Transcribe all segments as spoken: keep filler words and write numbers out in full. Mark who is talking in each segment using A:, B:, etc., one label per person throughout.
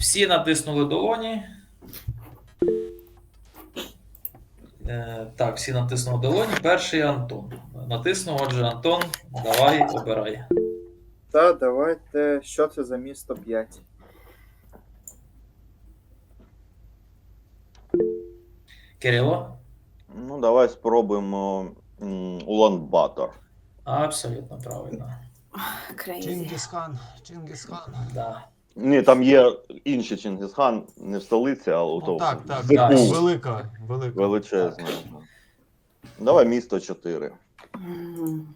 A: Всі натиснули долоні. Е, так, всі натиснули долоні. Перший Антон. Натиснув, отже, Антон, давай, обирай.
B: Та, давайте. Що це за місто п'ять?
A: Кирило?
C: Ну, давай спробуємо Улан-Батор.
A: Абсолютно правильно.
D: Крейзі.
E: Чингісхан, Чингісхан.
A: Да.
C: Ні, там є інший Чингисхан, не в столиці, а у
E: Ну,
C: тому.
E: так, так,
A: Да.
E: так, велика, велика.
C: Величезна. Давай місто чотири.
D: Мгм.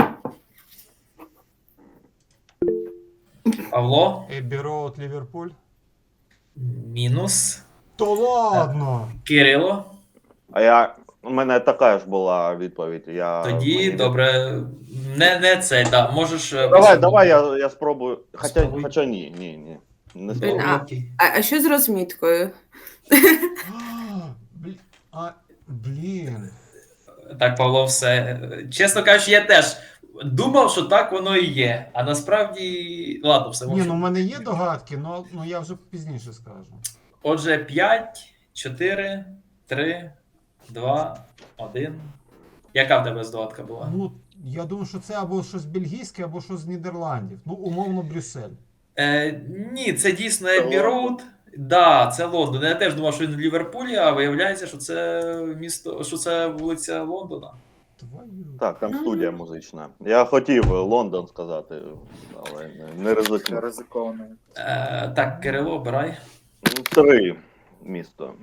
A: Павло?
E: Еббі Роуд, Ліверпуль.
A: Мінус.
E: То ладно!
A: Кирило?
C: А я. У мене така ж була відповідь. Я,
A: Тоді,
C: мені-
A: добре. Не, не цей, да. Можеш. е,
C: Давай,
A: посунути.
C: давай, я, я спробую. Хоча,
A: Спробуй.
C: хоча ні, ні, ні. Не
D: Блін,
C: спробую.
D: а-
A: Окей.
D: А, а що з розміткою?
E: А, блін, а, блін.
A: Так, Павло, все. Чесно кажучи, я теж думав, що так воно і є. А насправді, ладно, все
E: Ні,
A: можу.
E: ну в мене є догадки, но, ну я вже пізніше скажу.
A: Отже, п'ять, чотири, три, два, один. Яка в тебе здогадка була?
E: Ну, я думаю, що це або щось бельгійське, або щось з Нідерландів. Ну, умовно, Брюссель.
A: Е, ні, це дійсно
B: Це
A: Еббі
B: Лондон?
A: Роуд. Да, це Лондон. Я теж думав, що він в Ліверпулі, а виявляється, що це місто, що це вулиця Лондона.
E: Твою.
C: Так, там студія музична. Я хотів Лондон сказати, але не, не
B: Це
C: ризикнув.
B: ризиковано.
A: Е, так, Кирило, обирай.
C: Ну, Три місто.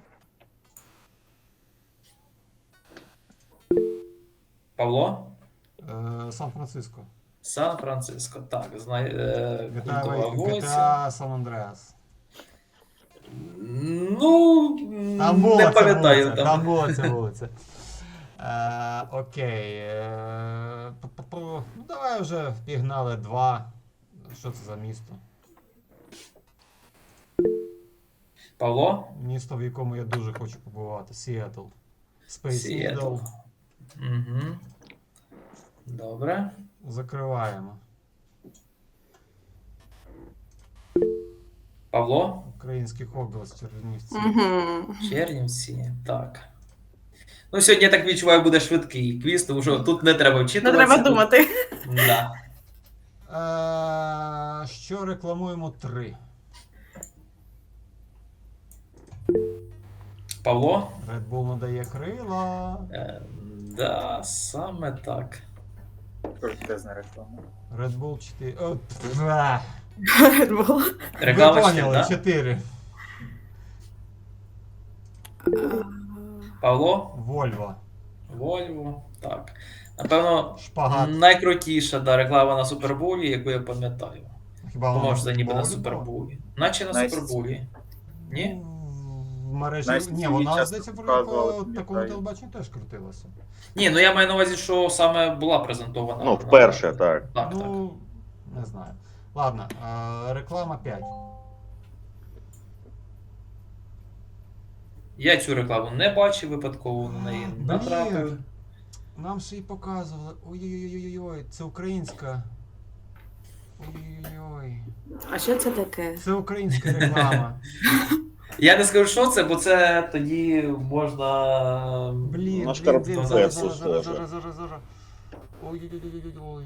A: Павло?
E: Е, Сан-Франциско.
A: Сан-Франциско. Так, знай, е, культова
E: Вітаю,
A: вулиця.
E: Вітаю, Сан-Андреас.
A: Ну,
E: Там була
A: не
E: ця
A: пам'ятаю.
E: вулиця,
A: Там.
E: там була ця вулиця. Е, окей. Е, пу-пу-пу. Ну, давай вже пігнали два. Що це за місто?
A: Павло?
E: Місто, в якому я дуже хочу побувати. Сіетл. Space
A: Сіетл.
E: Needle.
A: Угу. Добре.
E: Закриваємо.
A: Павло?
E: Український Хогвартс, Чернівці.
D: Угу.
A: Чернівці. Так. Ну, сьогодні, я так відчуваю, буде швидкий квіз, тому що тут не треба
D: Не
A: вчитуватися.
D: треба думати.
A: Да.
E: Е, що рекламуємо три?
A: Павло?
E: Red Bull надає крила.
A: Е, да, саме так.
B: Крутезна реклама.
E: Red Bull чотири. О, пф, а.
D: Було.
A: Реклама
E: Ви
A: ще,
E: поняли,
A: да?
E: чотири.
A: Павло?
E: Вольво.
A: Вольво. Так. Напевно,
E: Шпагат.
A: найкрутіша да, реклама на Суперболі, яку я пам'ятаю.
E: Хіба воно
A: Поможе, ніби на
E: Футболі
A: Суперболі. Наче на
B: Найс.
A: Суперболі. Ні?
E: було? В мережі.
B: Знаєш,
E: Ні,
B: ті
E: вона,
B: часто
E: здається, по
B: показували,
E: по такому
B: пам'ятаю.
E: телебаченню теж крутилася.
A: Ні, ну я маю на увазі, що саме була презентована.
C: Ну, вперше, так.
A: Так, так.
E: Ну, не знаю. Ладно, е, реклама п'ять.
A: Я цю рекламу не бачив, випадково на неї
E: Блін.
A: натрапив.
E: Нам ще й показували. Ой-ой-ой, це українська. Ой-ой-ой.
D: А що це таке?
E: Це українська реклама.
A: Я не скажу, що це, бо це тоді можна.
E: Блін,
C: На
E: блін,
C: шкарпетку
E: блін, зараз, зараз,
C: схоже.
E: зараз, зараз, зараз, зараз. Ой-ой-ой-ой-ой.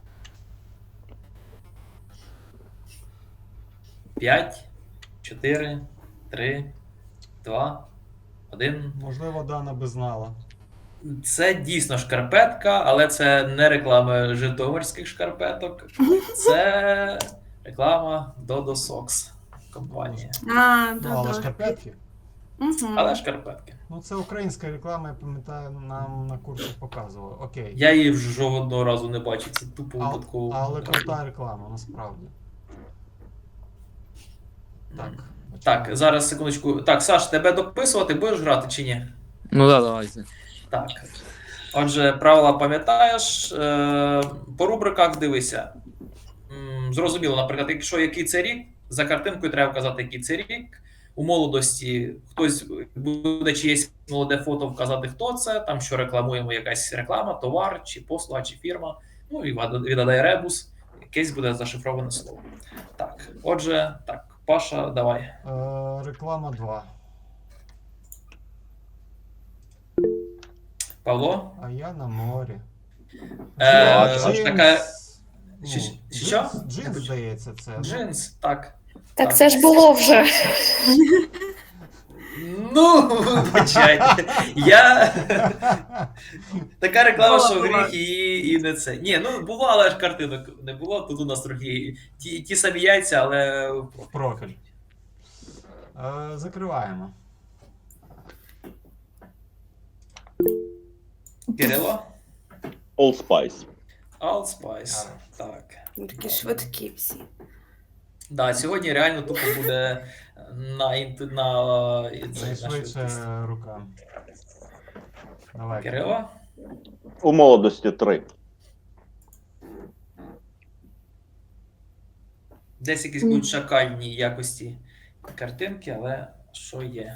A: п'ять, чотири, три, два, один.
E: Можливо, Дана би знала.
A: Це дійсно шкарпетка, але це не реклама житомирських шкарпеток. Це реклама Dodo Socks компанія.
D: А,
E: Ну, але
D: добре.
E: шкарпетки.
D: Угу.
A: Але шкарпетки.
E: Ну, це українська реклама, я пам'ятаю, нам на курсах показували. Окей.
A: Я її вже жодного разу не бачив, це тупо
E: А-
A: випадково.
E: Але крута реклама, насправді. Так.
A: Так, зараз секундочку. Так, Саш, тебе дописувати будеш грати чи ні?
F: Ну да, давайте.
A: Так. Отже, правила пам'ятаєш. Е, По рубриках дивися. М, Зрозуміло, наприклад, якщо який це рік, за картинкою треба вказати, який це рік. У молодості хтось буде чиєсь молоде фото вказати, хто це, там що рекламуємо, якась реклама, товар, чи послуга, чи фірма. Ну і віддає ребус, якесь буде зашифроване слово. Так, отже, так. Паша, давай.
E: Е, реклама два.
A: Павло?
E: А я на морі.
A: Е,
E: Джинс.
A: така-
E: Ну,
A: Що-
E: джинс,
A: що?
E: джинс, здається, це. ну.
A: Джинс, так.
F: Так це ж було вже.
A: Ну, вибачайте. Я. Така реклама,
D: Була,
A: що
D: була.
A: гріх і, і не це. Ні, ну було, але ж картинок не було. Тут у нас трохи ті, ті самі яйця, але.
E: В профіль. Е, закриваємо.
A: Кирило?
C: Old Spice.
A: Allspice. Так.
D: Такі швидкі всі.
A: Да, сьогодні реально тупо буде на інт- на, і це, на
E: Найшвидше
A: швидкість.
E: рука. Давай.
A: Кирило?
C: У молодості три.
A: Десь якісь будуть шакальні якості картинки, але що є?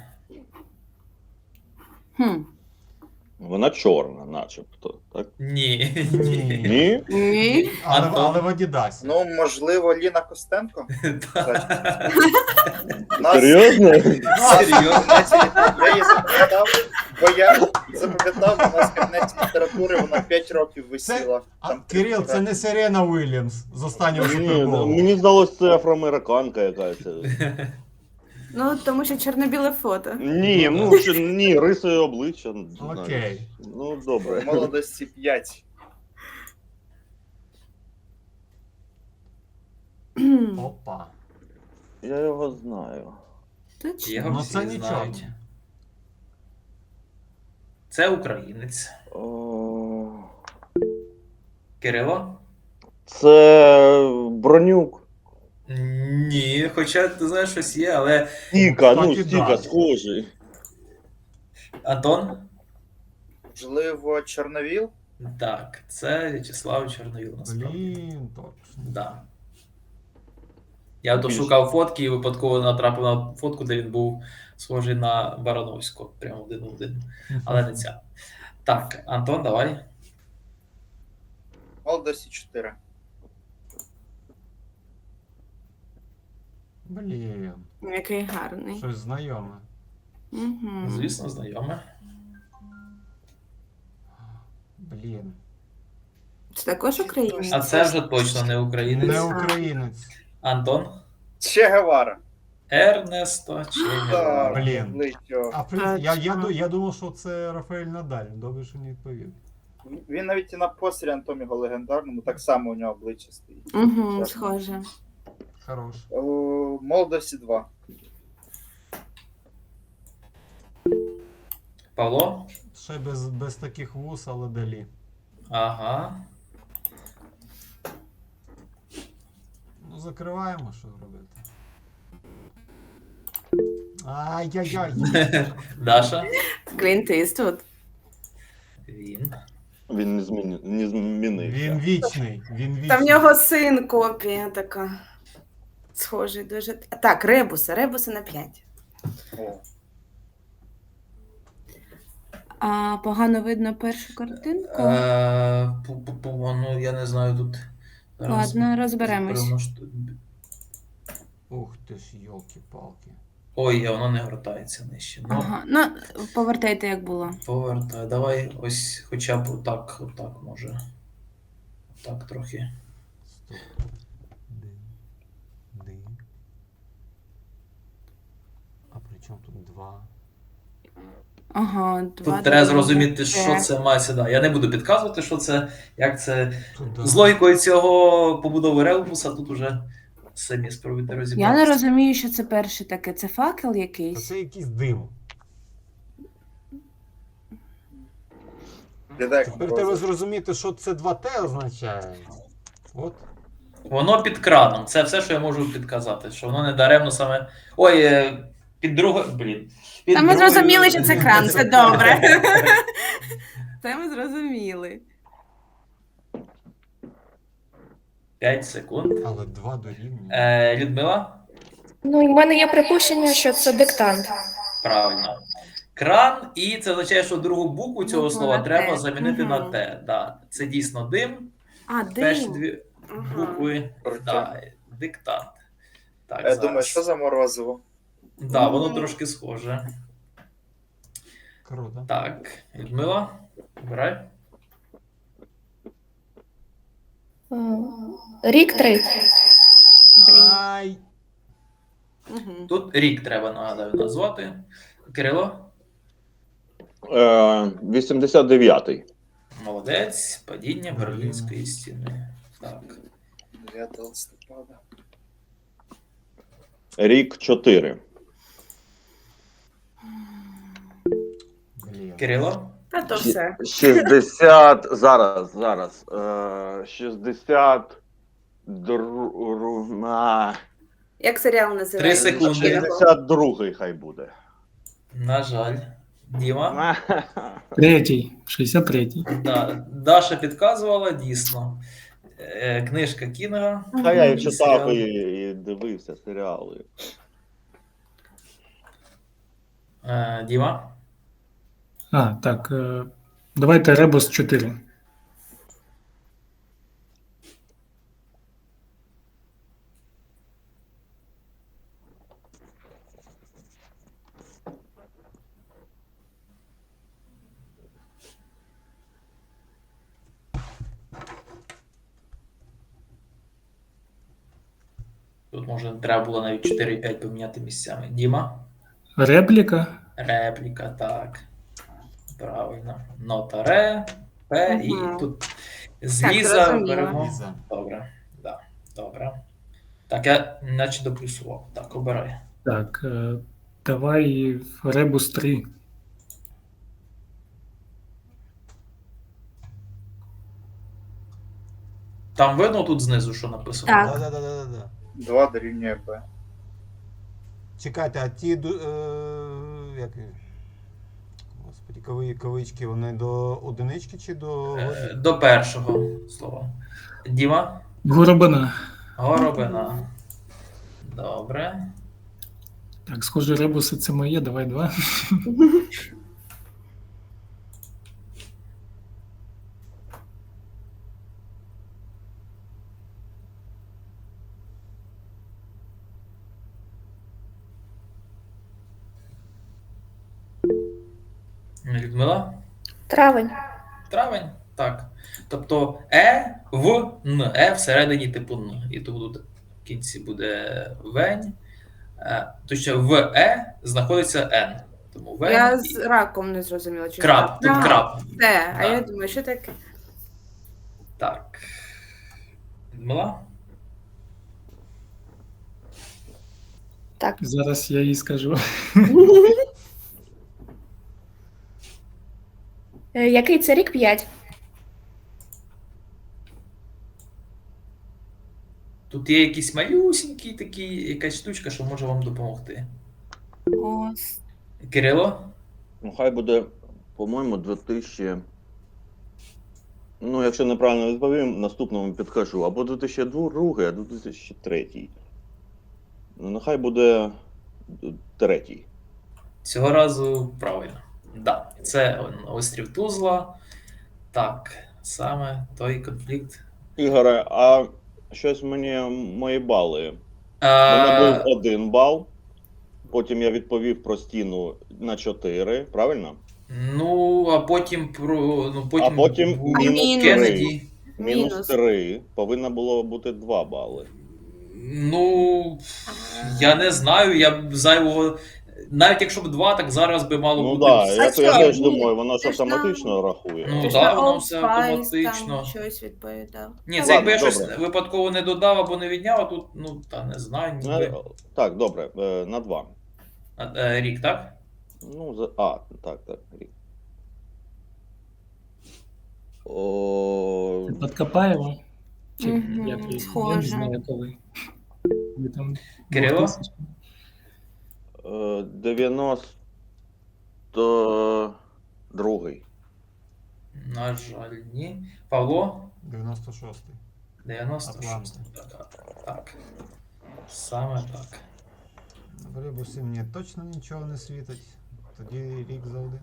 D: Хм.
C: Вона чорна, начебто. Так?
A: Ні.
E: Ні.
C: Ні?
D: Ні.
E: Але,
A: Антон?
E: але в Адідасі.
B: Ну, можливо, Ліна Костенко?
A: Так.
B: Нас...
C: Серйозно?
A: Серйозно?
B: Я її запам'ятав, бо я запам'ятав, у нас в кабінеті літератури вона п'ять років висіла.
E: А,
B: Там
E: Кирил, це не Серена Уільямс з останнього
C: Ні,
E: суперболу.
C: мені здалося, це афроамериканка якась.
D: Ну, тому що чорно-біле фото.
C: Ні, ну чи ні, рисою обличчя. не знаю.
E: Окей.
C: Ну,
B: в
C: добре.
B: молодості п'ять.
E: Опа.
C: Я його знаю.
D: Точно.
A: Його
E: Ну,
A: всі
E: це нічого.
A: знають. Це українець.
C: О,
A: Кирило?
C: Це Бронюк.
A: Ні, хоча ти знаєш, щось є, але.
C: Стіка, ну
E: Так і
C: стіка,
E: да.
C: схожий.
A: Антон?
B: Можливо, Чорновіл?
A: Так, це В'ячеслав Чорновіл, насправді.
E: Блін, точно.
A: Да. Я то
C: Більше.
A: шукав фотки і випадково натрапив на фотку, де він був схожий на Барановського. Прямо один в один. Але не ця. Так, Антон, давай.
B: Молодості чотири.
E: Блін,
D: Який гарний.
E: щось знайоме.
D: Угу.
A: Звісно, знайоме.
E: Блін.
D: Це також українець?
A: А це вже точно не українець.
E: Не українець.
A: Антон.
B: Че Гевара.
A: Ернесто Че Гевара.
B: Так,
E: Блін.
B: обличчя.
E: А при... я, я,
D: Точно.
E: ду- я думав, що це Рафаель Надаль. Добре, що не відповів.
B: Він навіть і на постері Антоміго легендарному, так само у нього обличчя стоїть.
D: Угу, схоже.
E: Хорош.
B: О, молодості два.
A: Павло.
E: Ще без, без таких вуз, але далі.
A: Ага.
E: Ну, закриваємо, що робити. Ай-яй-яй.
A: Даша.
D: Клінт Іствуд.
A: Він.
C: Він не, зміни... не змінився.
E: Він вічний. Він вічний.
D: Там в нього син копія така. Схожий дуже. Так, ребуси, ребуси на п'ять.
B: О.
D: А погано видно першу картинку.
A: Е, пу-пу-пу, ну, я не знаю тут. зараз
D: Ладно, розберемось.
A: примножте.
E: Ух ти ж, йолки-палки.
A: Ой, воно не гортається нижче. Ну,
D: Ага. Ну, повертайте, як було.
A: повертай. Давай ось хоча б отак, отак може. Так трохи.
E: Стоп. Дин. Дин. А при чому тут два?
D: Ага, два.
A: Тут треба
D: другі.
A: зрозуміти, що
D: Це.
A: це має сюди. Я не буду підказувати, що це, як це.
E: Туди.
A: З логікою цього побудови ребуса тут уже самі спробуйте
D: Я
A: розібратися.
D: не розумію, що це перше таке. Це факел
E: Та
D: якийсь.
E: це якийсь дим.
B: Глядай, як
E: Тепер
B: роза.
E: треба зрозуміти, що це два Т означає. От.
A: Воно під краном. Це все, що я можу підказати. Що воно не даремно саме. Ой, е, під другою. Блін. Під
D: Та ми
A: другою-
D: зрозуміли, що це кран, це добре. Це ми зрозуміли.
A: п'ять секунд.
E: Але два дорівнює.
A: Е, Людмила?
F: Ну, і в мене є припущення, що це диктант.
A: Правильно. Кран, і це означає, що другу букву цього
D: Букву
A: слова
D: на
A: треба
D: «Т».
A: замінити
D: Мгм.
A: на Т. Да. Це дійсно дим.
D: А,
A: Перші
D: дим.
A: дві
D: Ага.
A: букви.
B: Круто.
A: Да, диктант. Так,
B: Я
A: зараз.
B: думаю, що за морозиво?
A: Да, воно трошки схоже.
E: Круто.
A: Так, Людмила, обирай.
F: М, Рік три.
E: Ай!
D: Мгм.
A: Тут рік треба, нагадаю, назвати. Кирило,
C: Е, вісімдесят дев'ятий.
A: молодець, падіння
E: Берліна.
A: Берлінської стіни. Так.
B: дев'ятого листопада.
C: Рік чотири.
E: Блін.
A: Кирило,
D: Та то все.
C: шістдесят. Зараз, зараз. Е, шістдесят. Дру... А,
D: Як серіал
A: Три
D: називається?
A: секунди.
C: шістдесят другий хай буде.
A: на жаль. Діма.
G: Третій, шістдесят третій.
A: Да. Даша підказувала, дійсно. Е, Книжка Кінга.
C: Та я і
A: І
C: читав
A: серіал.
C: і, і дивився серіали.
A: Е, Діма.
G: А, так. е, Давайте Ребус чотири.
A: Тут може треба було навіть чотири і п'ять поміняти місцями. Діма.
G: Репліка.
A: Репліка, так. Правильно. Нота ре, П і
D: Мгм.
A: тут з
D: Так,
A: Ліза
D: зрозуміло.
A: беремо.
E: Ліза.
A: Добре. Да. Добре. Так, я наче доплюсував. Так, обирай.
G: Так. е, Давай Ребус три.
A: Там видно тут знизу, що написано?
D: Так.
E: Да-да-да-да-да.
B: два дорівнює Б.
E: Чекайте, а ті ду- е, як... Господи, кави, кавички, вони до одинички чи до
A: Е,
E: годі?
A: До першого слова. Діма.
G: Горобина.
A: Горобина. Добре.
G: Так, схоже, Ребуси це моє, давай два.
A: Людмила.
F: Травень.
A: Травень. Так. Тобто Е в Н. Е всередині типу Н. І тому тут в кінці буде вень. Е, Точно в Е знаходиться Н. Тому вень.
D: Я
A: і-
D: з раком не зрозуміла. Чи
A: Краб.
D: так?
A: Тут
D: А,
A: краб.
D: Це, а
A: Да.
D: я думаю, що таке?
A: Так. Людмила.
F: Так.
G: Зараз я їй скажу.
F: Е, Який це рік? П'ять.
A: Тут є якісь малюсінькі такі, якась штучка, що може вам допомогти.
D: Ос.
A: Кирило.
C: Ну, хай буде, по-моєму, дві тисячі. Ну, якщо неправильно відповім, наступному підкажу. Або дві тисячі другий, або дві тисячі третій. Ну, нехай буде третій.
A: Цього разу правильно. Да, це острів Тузла. Так, саме той конфлікт.
C: Ігоре, а щось мені мої бали. У мене
A: А,
C: був один бал. Потім я відповів про стіну на чотири, правильно?
A: ну, а потім про. Ну, потім,
C: А потім
A: був
C: мінус
A: Кеннеді.
C: Мінус
D: Мінус.
C: три. Повинно було бути два бали.
A: Ну, я не знаю, я б зайвого. Навіть якщо б два, так зараз би мало
C: Ну
A: бути.
C: так,
A: все.
C: я,
D: А
C: я
D: що?
C: теж
D: Ні,
C: думаю, воно ж
D: ти ж
C: автоматично
D: нам-
C: рахує.
A: Ну,
D: Ти ж
A: да,
D: на
A: воно
D: Old
A: все
D: Spice
A: автоматично.
D: там щось відповідав.
A: Ні, це
C: Ладно,
A: якби я щось
C: добре.
A: випадково не додав або не відняв, а тут, ну, та не знаю, ніби.
C: Е, Так, добре, е, на два.
A: А, е, Рік, так?
C: Ну, за... А, так, так, рік. О...
G: Подкопаємо. Чи
D: Мгм,
G: як її? Я не
D: схоже.
G: знаю, коли. Ви там
A: Кирило?
G: двохтисячні.
C: е, дев'яносто другий.
A: На жаль, ні. Павло?
E: дев'яносто шостий.
A: дев'яносто шість. Так, так. Саме так.
E: В Ребусі мені точно нічого не світить. Тоді рік за один.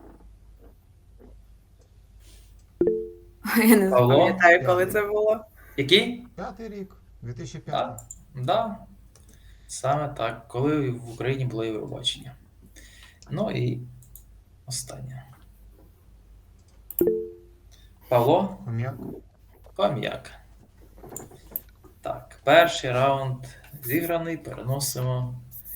D: Я не
A: Павло?
D: пам'ятаю, коли це було.
A: Який?
E: П'ятий рік. дві тисячі
A: Так.
E: п'ятий.
A: Да. Саме так, коли в Україні було Євробачення. Ну і останнє. Павло
E: Хом'як.
A: Пам'як. Так, перший раунд зіграний, переносимо.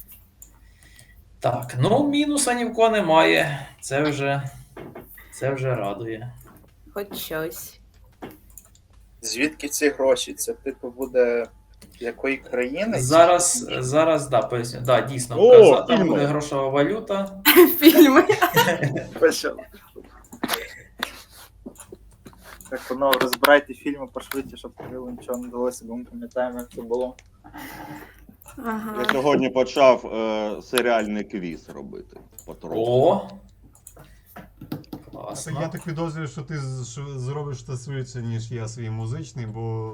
A: Так, ну мінуса ні в кого немає. Це вже, це вже радує.
D: Хоч щось.
B: Звідки ці гроші? Це типу буде якої країни?
A: Зараз, зараз, да, поясню. Да, дійсно,
C: О,
A: вказа- там
C: фільми.
A: буде грошова валюта.
D: Фільми.
B: Почали. Так, воно розбирайте фільми пошвидше, щоб Кирилу нічого не далося, бо ми пам'ятаємо, як це було.
D: Ага.
C: Я сьогодні почав е, серіальний квіз робити. Потроху.
A: О!
E: Це
A: Класно.
E: я так підозрюю, що ти з- що зробиш це швидше, ніж я свій музичний, бо.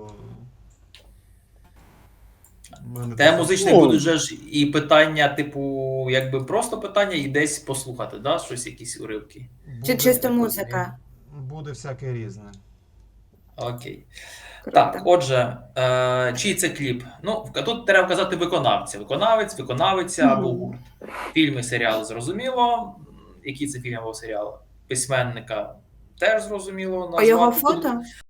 E: в мене
A: Те
E: така-
A: музичний
C: Ну.
A: будуть же ж і питання, типу, якби просто питання, і десь послухати, да? Щось, якісь уривки.
D: Чи
E: буде-
D: чисто музика?
E: Буде всяке різне.
A: Окей.
D: Круто.
A: Так, отже, е, чий це кліп? Ну, в- тут треба вказати виконавця. Виконавець, виконавиця або гурт. Фільми, серіали зрозуміло. Який це фільм або серіал? Письменника теж зрозуміло.
D: По його
A: назвати. Тут-
D: фото?